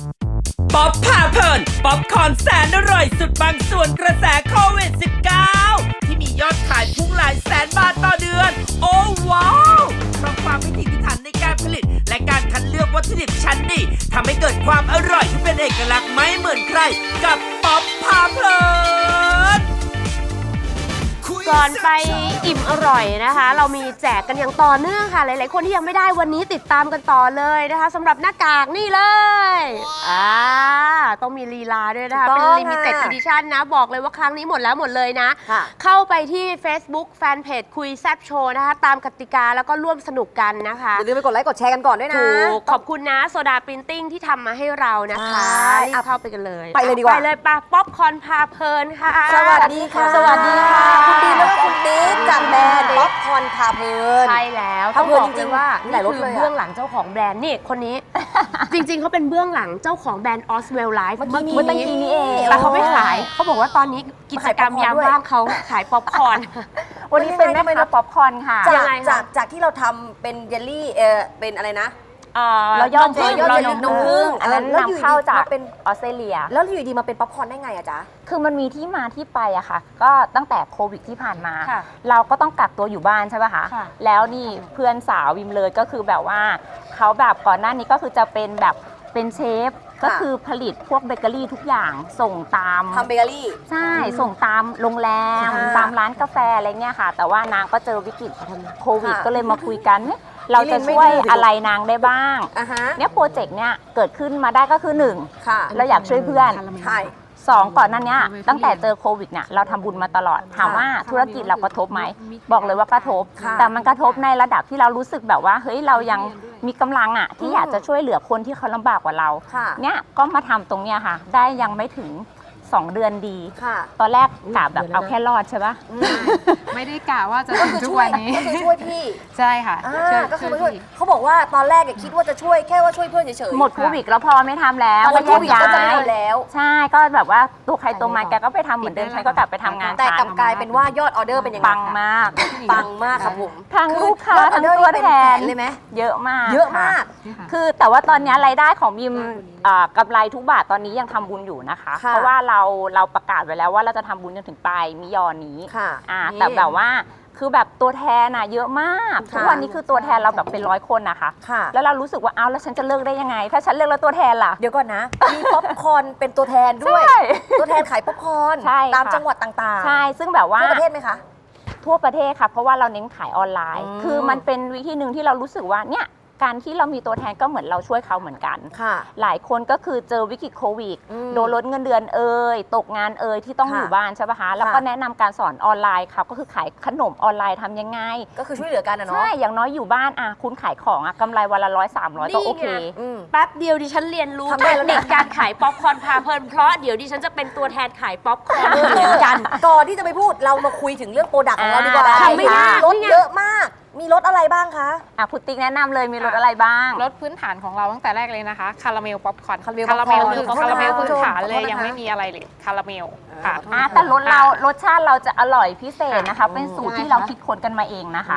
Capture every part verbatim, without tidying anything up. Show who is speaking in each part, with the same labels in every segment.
Speaker 1: ป๊อปพาเพลินป๊อปคอร์นแสนอร่อยสุดบางส่วนกระแสโควิด สิบเก้า ที่มียอดขายพุ่งหลายแสนบาทต่อเดือน โอ้ว้าวเพราะความพิถีพิถันในการผลิต และการคัดเลือกวัตถุดิบชั้นดีทำให้เกิดความอร่อยที่เป็นเอกลักษณ์ไม่เหมือนใครกับป๊อปพาเพลิน
Speaker 2: ก่อนไปอิ่มอร่อยนะคะ เรามีแจกกันอย่างต่อเนื่องค่ะหลายๆคนที่ยังไม่ได้วันนี้ติดตามกันต่อเลยนะคะสำหรับหน้ากากนี่เลยอ่าต้องมีลีลาด้วยนะคะเป็น limited edition นะบอกเลยว่าครั้งนี้หมดแล้วหมดเลยนะเข้าไปที่ Facebook Fanpage คุยแซบโชว์นะคะตามกติกาแล้วก็ร่วมสนุกกันนะคะ
Speaker 3: อย่าลืมไปกดไลค์กดแชร์กันก่อนด้วยนะ
Speaker 2: ถูกขอบคุณนะโซดาปรินติ้งที่ทำมาให้เรานะคะรีบเข้าไปกันเลย
Speaker 3: ไปเลยดีกว่า
Speaker 2: ไปเลยปะป๊อปคอร์นพาเพลินค่ะ
Speaker 3: สวัสดีค่ะสวัสดีค่ะคุณดีแล้วก็คุณติ๊กจากแบรนด์ป๊อปคอร์นพาเพลิน
Speaker 2: ใช่แล้วต้องบอกเลยว่านี่คือเบื้องหลังเจ้าของแบรนด์นี่คนนี้ จริงๆเขาเป็นเบื้องหลังเจ้าของแบรนด์ Oswell Life
Speaker 3: เมื่อกี้นี้เอง
Speaker 2: แต่เขาไม่ขายเขาบอกว่าตอนนี้กิจกรรมยามว่างเขาขายป๊อปคอร์น
Speaker 3: วันนี้เป็นแม่ค้าป๊อปคอร์นค่ะจากจากที่เราทำเป็นเยลลี่เออเป็นอะไรนะ
Speaker 2: เราย่อม
Speaker 3: พึ่งเราย่อมพึ่ง
Speaker 4: อันนั้นนำเข้าจากออสเตรเลีย
Speaker 3: แล้วอยู่ดีมาเป็นป๊อปคอร์นได้ไงอะจ๊ะ
Speaker 4: คือมันมีที่มาที่ไปอะค่ะก็ตั้งแต่โควิดที่ผ่านมาเราก็ต้องกักตัวอยู่บ้านใช่ป่ะคะแล้วนี่เพื่อนสาววิมเลยก็คือแบบว่าเขาแบบก่อนหน้านี้ก็คือจะเป็นแบบเป็นเชฟก็คือผลิตพวกเบเกอรี่ทุกอย่างส่งตาม
Speaker 3: ทำเบเกอรี่
Speaker 4: ใช่ส่งตามโรงแรมตามร้านกาแฟอะไรเงี้ยค่ะแต่ว่านางก็เจอวิกฤตโควิดก็เลยมาคุยกันเราจะช่วยอะไรนางได้บ้างเนี่ยโปรเจกต์เนี่ยเกิดขึ้นมาได้ก็คือหนึ่งเราอยากช่วยเพื่อนสองก่อนนั้นเนี่ยตั้งแต่เจอโควิดเนี่ยเราทำบุญมาตลอดถามว่าธุรกิจเรากระทบไหมบอกเลยว่ากระทบแต่มันกระทบในระดับที่เรารู้สึกแบบว่าเฮ้ยเรายังมีกำลังอ่ะที่อยากจะช่วยเหลือคนที่เขาลำบากกว่าเราเนี่ยก็มาทำตรงเนี้ยค่ะได้ยังไม่ถึงสองเดือนดีตอนแรกกะแบบเอาแค่รอดใช่ปะ
Speaker 5: ไม่ได้กะว่าจะถึงทุกวันนี้
Speaker 3: ก็คือช่วยพี่
Speaker 5: ใช่ค่ะ
Speaker 3: ก็คือช่วยเขาบอกว่าตอนแรกคิดว่าจะช่วยแค่ว่าช่วยเพื่อนเฉย
Speaker 4: ๆหมดโควิดแล้วพอไม่ทำแล้ว
Speaker 3: หมดโควิดก็จะไม่ทำแล้ว
Speaker 4: ใช่ก็แบบว่าตัวใครตัวมันแกก็ไปทำเหมือนเดิมฉันก็กลับไปทำงาน
Speaker 3: แต่กลับกลายเป็นว่ายอดออเดอร์เป็นยังไง
Speaker 4: ปังมาก
Speaker 3: ปังมากครับผม
Speaker 4: ทั้งลูกค้าทั้งตัวแทน
Speaker 3: เลยไหม
Speaker 4: เยอะมาก
Speaker 3: เยอะมาก
Speaker 4: คือแต่ว่าตอนนี้รายได้ของบิมกำไรทุกบาทตอนนี้ยังทำบุญอยู่นะคะเพราะว่าเราเราประกาศไว้แล้วว่าเราจะทำบุญจนถึงปลายมิยอนี้อ่าแต่แบบว่าคือแบบตัวแทนน่ะเยอะมากทุกวันนี้คือตัวแทนเราแบบเป็นร้อยคนนะคะแล้วเรารู้สึกว่าเอาแล้วฉันจะเลิกได้ยังไงถ้าฉันเลิกแล้วตัวแทนล่ะ
Speaker 3: เดี๋ยวก่อนนะมีป๊อปคอร์นเป็นตัวแทนด้วยตัวแทนขายป๊อปคอร์นตามจังหวัดต่างๆ
Speaker 4: ใช่ซึ่งแบบว่า
Speaker 3: ทั่วประเทศไหมคะ
Speaker 4: ทั่วประเทศค่ะเพราะว่าเราเน้นขายออนไลน์คือมันเป็นวิธีหนึ่งที่เรารู้สึกว่าเนี่ยการที่เรามีตัวแทนก็เหมือนเราช่วยเขาเหมือนกันหลายคนก็คือเจอวิกฤตโควิดโดนลดเงินเดือนเอ่ยตกงานเอ่ยที่ต้องอยู่บ้านใช่ปะคะแล้วก็แนะนำการสอนออนไลน์ค่ะก็คือขายขนมออนไลน์ทำยังไง
Speaker 3: ก็คือช่วยเหลือกันนะเนาะ
Speaker 4: ใช่อย่างน้อยอยู่บ้านอ่ะคุณขายของอ่ะกำไรวันละร้อยสามร้อยก็โอเค
Speaker 2: แป๊บเดียวดิฉันเรียนรู้เทคนิคการขายป๊อปคอร์นพาเพลินเพราะเดี๋ยวดิฉันจะเป็นตัวแทนขายป๊อปคอร์นเหมือนกัน
Speaker 3: ก่อนที่จะไปพูดเรามาคุยถึงเรื่องโปรดักต์ของเราดีกว่า
Speaker 2: ทำไม่ได้
Speaker 3: รถเยอะมากมีรถอะไรบ้างคะ
Speaker 4: อ่ะคุณติ๊กแนะนำเลยมีรถอะไรบ้าง
Speaker 5: รถพื้นฐานของเราตั้งแต่แรกเลยนะคะคาราเมลป๊อปคอร์น
Speaker 3: คาราเมล
Speaker 5: คาราเมลคือคาราเมลพื้นฐานเลยยังไม่มีอะไรเลยคาราเมลค่ะ
Speaker 4: แต่รสเรารสชาติเราจะอร่อยพิเศษนะคะเป็นสูตรที่เราคิดค้นกันมาเองนะคะ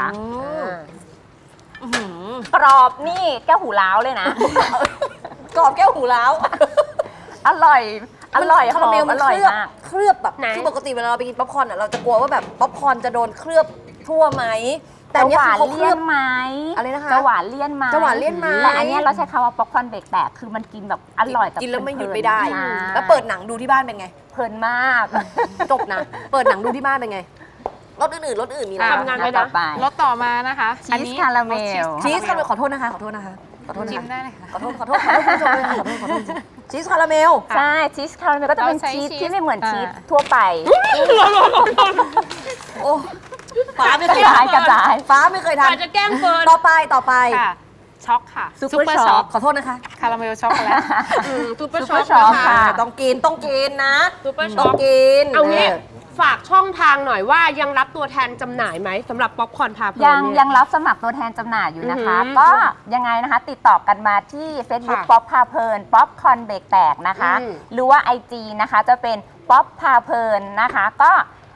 Speaker 4: กรอบนี่แก้วหูล้าวเลยนะ
Speaker 3: กรอบแก้วหูล้าว
Speaker 4: อร่อยอร่อย
Speaker 3: คาราเมลมันเคลือบเคลือบแบบคือปกติเวลาเราไปกินป๊อปคอร์นเราจะกลัวว่าแบบป๊อปคอร์นจะโดนเคลือบทั่วไหม
Speaker 4: แต่หวานเลี่ยนไหม
Speaker 3: อะไรนะคะ
Speaker 4: จะหวานเลี่ยนไหม
Speaker 3: จะหวานเลี่ยนไหม
Speaker 4: แต่อันนี้เราใช้คำว่าป๊อปคอร์นเบรกแตกคือมันกินแบบอร่อย
Speaker 3: กินแล้วไม่หยุดไม่ได้แล้วเปิดหนังดูที่บ้านเป็นไง
Speaker 4: เพลินมาก
Speaker 3: จบนะเปิดหนังดูที่บ้านเป็นไงรสอื่นๆรสอื่นมี
Speaker 2: ทำงานไปนะ
Speaker 5: รสต่อมานะคะ
Speaker 4: ชีสคาราเมล
Speaker 3: ชีสคาราเมลขอโทษนะคะขอโทษนะคะขอโทษ
Speaker 5: ชิมได้เลยค่ะ
Speaker 3: ขอโทษขอโทษขอโทษขอโทษขอโทษชีสคาราเมล
Speaker 4: ใช่ชีสคาราเมลก็จะเป็นชีสที่ไม่เหมือนชีสทั่วไป
Speaker 3: โอ้ฟ้าไม่เคย
Speaker 4: ทำกระจาย
Speaker 3: ฟ้าไม่เคยทำ
Speaker 2: จะแกล้งเฟิร์น
Speaker 3: ต่อไปต่อไป
Speaker 5: ช็อกค่ะ
Speaker 4: ซุปเปอร์ช็อก
Speaker 3: ขอโทษนะคะ
Speaker 5: คาราเมลช็อกโกแลต
Speaker 2: ซุปเปอร์ช็อก
Speaker 4: ค่ะ
Speaker 3: ต้องกินต้องกินนะ
Speaker 2: ซุปเปอร์ช็
Speaker 3: อกต้องกิน
Speaker 2: เอางี้ฝากช่องทางหน่อยว่ายังรับตัวแทนจำหน่ายไหมสำหรับป๊อปคอร์นพาเพลิน
Speaker 4: ยังยังรับสมัครตัวแทนจำหน่ายอยู่นะคะก็ยังไงนะคะติดต่อกันมาที่ Facebook ป๊อปพาเพลินป๊อปคอร์นเบรกแตกนะคะหรือว่า ไอ จี นะคะจะเป็นป๊อปพาเพลินนะคะก็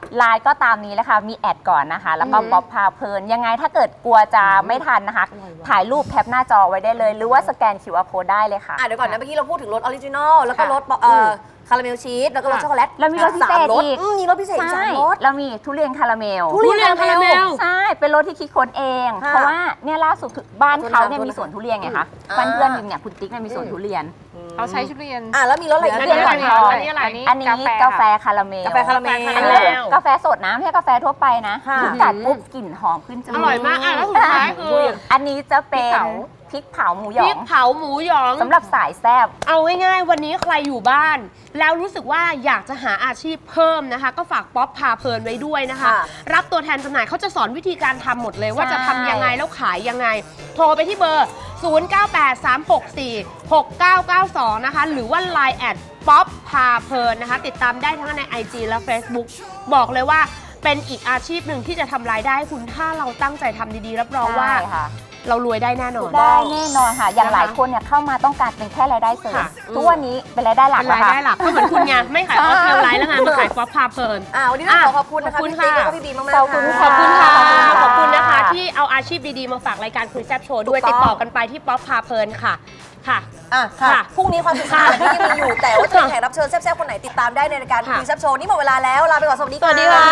Speaker 4: ไลน์ก็ตามนี้แหละค่ะ มีแอดก่อนนะคะ แล้วก็บ๊อบพาเพลิน ยังไงถ้าเกิดกลัวจะไม่ทันนะคะ ถ่ายรูปแคปหน้าจอไว้ได้เลย หรือว่าสแกน คิว อาร์ Code ได้เลยค่ะ
Speaker 3: อ่ะเดี๋ยวก่อนนะเมื่อกี้เราพูดถึงรสออริจินอลแล้วก็รสเอ่อคาราเมลชีสแล้วก็รสช็อกโกแลต
Speaker 4: แล้วมีรสพิเศษ
Speaker 3: สามรส
Speaker 4: อีก
Speaker 3: อืมมีรสพิเศษอีกสามรส
Speaker 4: เรามีทุเรียนคาราเมล
Speaker 3: ทุเรียนคาราเมล
Speaker 4: ใช่ เป็นรสที่คิดค้นเอง
Speaker 3: ค่ะ
Speaker 4: เพราะว่าเนี่ยล่าสุดคือบ้านเขาเนี่ย
Speaker 3: โทษนะคะ
Speaker 4: มีสวนทุเรียนไงคะ
Speaker 3: อ่า
Speaker 4: เพื่อนๆเนี่ยคุณติ๊กเนี่ยมีสวนทุเรียน
Speaker 5: เขาใช้ชุดเรียน
Speaker 3: อ่ะแล้วมีรสอะไรอีก
Speaker 4: ทุ
Speaker 5: อัน
Speaker 4: เรียน
Speaker 5: นี้
Speaker 4: ห
Speaker 5: อะ
Speaker 4: ม
Speaker 5: ไร
Speaker 4: อนทอง
Speaker 5: อันนี้อะไร
Speaker 4: อันนี้กาแฟคาราเมล
Speaker 3: กาแฟคาราเมล
Speaker 4: อันนี้กาแฟสดนะไม่ใช่กาแฟทั่วไปนะ
Speaker 3: ค่ะ
Speaker 4: คุณกัดปุ๊บกลิ่นหอมขึ้นจมูก
Speaker 2: อร่อยมากอ่ะแล้วสุดท้ายคือ
Speaker 4: อันนี้จะเป็น
Speaker 2: พริกเผา
Speaker 4: พริกเผาหมูหย
Speaker 2: พ
Speaker 4: อ
Speaker 2: ริ
Speaker 4: ง
Speaker 2: กเผาหมูหยอง
Speaker 4: สำหรับสายแซ่บ
Speaker 2: เอาง่ายๆวันนี้ใครอยู่บ้าน แล้วรู้สึกว่าอยากจะหาอาชีพเพิ่มนะคะ ก็ฝากป๊อปพาเพลินไว้ด้วยนะคะ
Speaker 3: ค่ะ
Speaker 2: รับตัวแทนจำหน่ายเขาจะสอนวิธีการทำหมดเลยว่า
Speaker 4: ใช่
Speaker 2: จะทำยังไงแล้วขายยังไง โทรไปที่เบอร์ ศูนย์ เก้า แปด สาม หก สี่ หก เก้า เก้า สอง นะคะ หรือว่า ไลน์ แอดป๊อปพาเพลินนะคะ ติดตามได้ทั้งใน ไอ จี และ Facebook บอกเลยว่าเป็นอีกอาชีพหนึ่งที่จะทำรายได้ให้คุณถ้าเราตั้งใจทำดีๆรับรองว่า
Speaker 4: ใช่ค่ะ
Speaker 2: เรารวยได้แน่นอน
Speaker 4: ได้แน่นอนค่ะ อย่าง
Speaker 2: นะคะ
Speaker 4: หลายคนเนี่ยเข้ามาต้องการเป็นแค่รายได้เสริม
Speaker 2: ค่ะ
Speaker 4: ทุกวันนี้เป็นรายได้หลัก
Speaker 2: เป็น
Speaker 4: แล้ว
Speaker 2: ราย
Speaker 4: ค่ะ
Speaker 2: ได้หลักก็เหมือนคุณไงไม่ขายออฟเทลไลท์แล้วไงมาขายป๊อปพาเพลิน
Speaker 3: อ่ะวันนี้ต้องขอขอบคุณนะคะ
Speaker 2: ขอบคุณ
Speaker 3: พี่ติ๊ก
Speaker 2: ค่ะ
Speaker 3: แล้วก็พี่บีมากๆ
Speaker 4: ขอบคุณ
Speaker 3: ค่ะ
Speaker 2: ขอบคุณค่ะ
Speaker 4: ข
Speaker 2: ข
Speaker 4: อ
Speaker 2: อ
Speaker 4: บบ คุ
Speaker 2: คุณ ณ
Speaker 4: ค่ะ
Speaker 2: นะคะ ที่เอาอาชีพดีๆ มาฝากรายการคุยแซบโชว์ด้วย
Speaker 3: ถูกต้อง
Speaker 2: ติดต่อกันไปที่ป๊อปพาเพลินค่ะ ค่ะ
Speaker 3: อ่ะค่ะ
Speaker 2: ค่ะ
Speaker 3: พรุ่งนี้ความสนุกสนานที่ยังมีอยู่ แต่ว่าจะมีแขกรับเชิญแซ่บๆคนไหนติดตามได้ในรายการ
Speaker 2: ค่ะ
Speaker 3: คุยแซ่บโชว์นี่หมดเวลาแล้วลาไปก่อนสวัสดีค่ะ
Speaker 2: สวัสดีค่ะ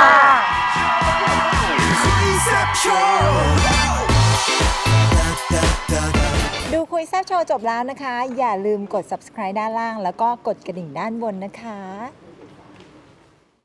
Speaker 6: ดูคุยแซ่บโชว์จบแล้วนะคะ อย่าลืมกด subscribe ด้านล่าง แล้วก็กดกระดิ่งด้านบนนะคะ